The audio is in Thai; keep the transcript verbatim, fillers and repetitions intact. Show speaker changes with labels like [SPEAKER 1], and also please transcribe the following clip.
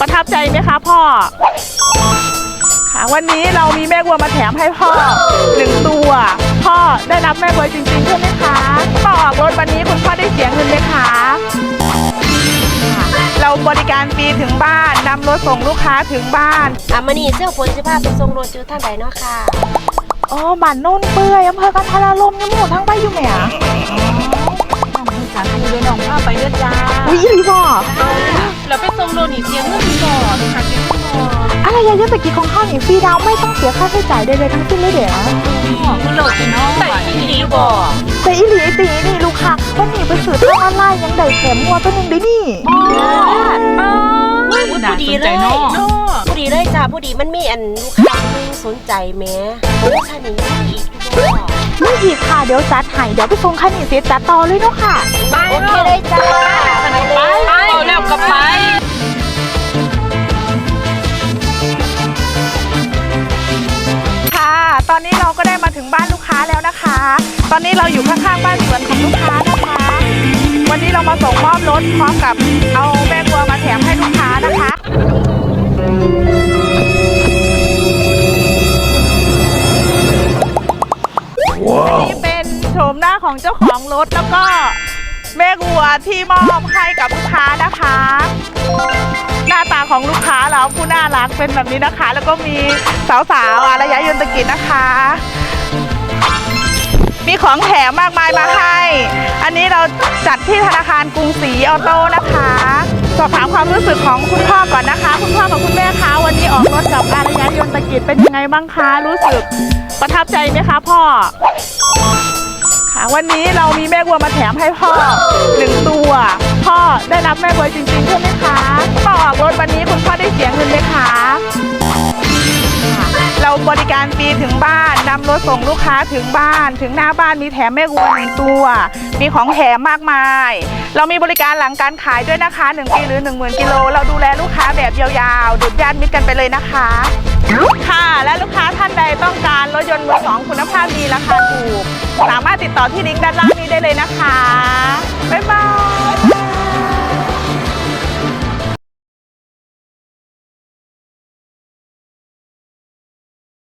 [SPEAKER 1] ประทับใจไหมคะพ่อค่ะวันนี้เรามีแม่วัวมาแถมให้พ่อหนึ่งตัวพ่อได้รับแม่วัวจริงๆใช่ไหมคะพ่อออกรถวันนี้คุณพ่อได้เสียเงินไหมคะเราบริการฟรีถึงบ้านนำรถส่งลูกค้าถึงบ้าน
[SPEAKER 2] อ่ะมานี่เสื้อฝนสิพาไปส่งรถอยู่ท่านใดเนาะค่ะ
[SPEAKER 1] อ๋อบ้านโน่นเปื่อยอำเภอกันทรารมยังหมู่ทั้งไปอยู่ไหมอ่ะ
[SPEAKER 3] สามีเลยน้องพาไปเด้อจ้า
[SPEAKER 1] อุ้ยอีหลีบ่
[SPEAKER 3] แล้วไปส่งโลนี่เสียเงินก่อนค่ะเสียเงินก่อน
[SPEAKER 1] อะไรยายตะกี้ของข้าวหนีฟรีดาวไม่ต้องเสียค่าใช้จ่ายใดๆทั้งสิ้นเลยเดี๋ยว
[SPEAKER 3] คุณโลกินน้องแต่อีหลีบ่
[SPEAKER 1] แต่อีหลีตีนี่ลูกค้าวันนี้ไปสื่อทางออนไลน์ยังได้แถมมัวตัวนึงได้นี่
[SPEAKER 2] ผู้ดีเลยผู้ดีเลยจ้าผู้ดีมันมีอันลูกค้านึงสนใจแม้โปรโมชั่นนี้อีก
[SPEAKER 1] ไม่อีกค่ะเดี๋ยวจัดให้เดี๋ยวไปส่งคันนี้เสียจัดต่อเลยเนาะค่ะ
[SPEAKER 2] โอเคเลยจ้า
[SPEAKER 3] ไปเอาแล้วก็ไป
[SPEAKER 1] ค่ะตอนนี้เราก็ได้มาถึงบ้านลูกค้าแล้วนะคะตอนนี้เราอยู่ข้างๆบ้านสวนของลูกค้านะคะวันนี้เรามาส่งมอบรถพร้อมกับเอาแม่วัวมาแถมให้ลูกค้านะคะนี่เป็นโฉมหน้าของเจ้าของรถแล้วก็แม่วัวที่มอบให้กับลูกค้านะคะหน้าตาของลูกค้าเราผู้น่ารักเป็นแบบนี้นะคะแล้วก็มีสาวๆอารยะยนตกิจนะคะมีของแถมมากมายมาให้อันนี้เราจัดที่ธนาคารกรุงศรีออโต้นะคะสอบถามความรู้สึกของคุณพ่อก่อนนะคะคุณพ่อกับคุณแม่คะวันนี้ออกรถกับอารยะยนตกิจเป็นยังไงบ้างคะรู้สึกประทับใจไหมคะพ่อค่ะวันนี้เรามีแม่วัวมาแถมให้พ่อหนึ่งตัวพ่อได้รับแม่วัวจริงๆใช่ไหมคะพ่อออกรถวันนี้คุณพ่อได้เสียเงินไหมคะเราบริการฟรีถึงบ้านนำรถส่งลูกค้าถึงบ้านถึงหน้าบ้านมีแถมแม่วัวหนึ่งตัวมีของแถมมากมายเรามีบริการหลังการขายด้วยนะคะหนึ่งปีหรือหนึ่งหมื่นกิโลเราดูแลลูกค้าแบบยาวๆดุจญาติมิตรกันไปเลยนะคะค่ะและลูกค้าท่านใดต้องการรถยนต์มือสองคุณภาพดีราคาถูกสามารถติดต่อที่ลิงก์ด้านล่างนี้ได้เลยนะคะ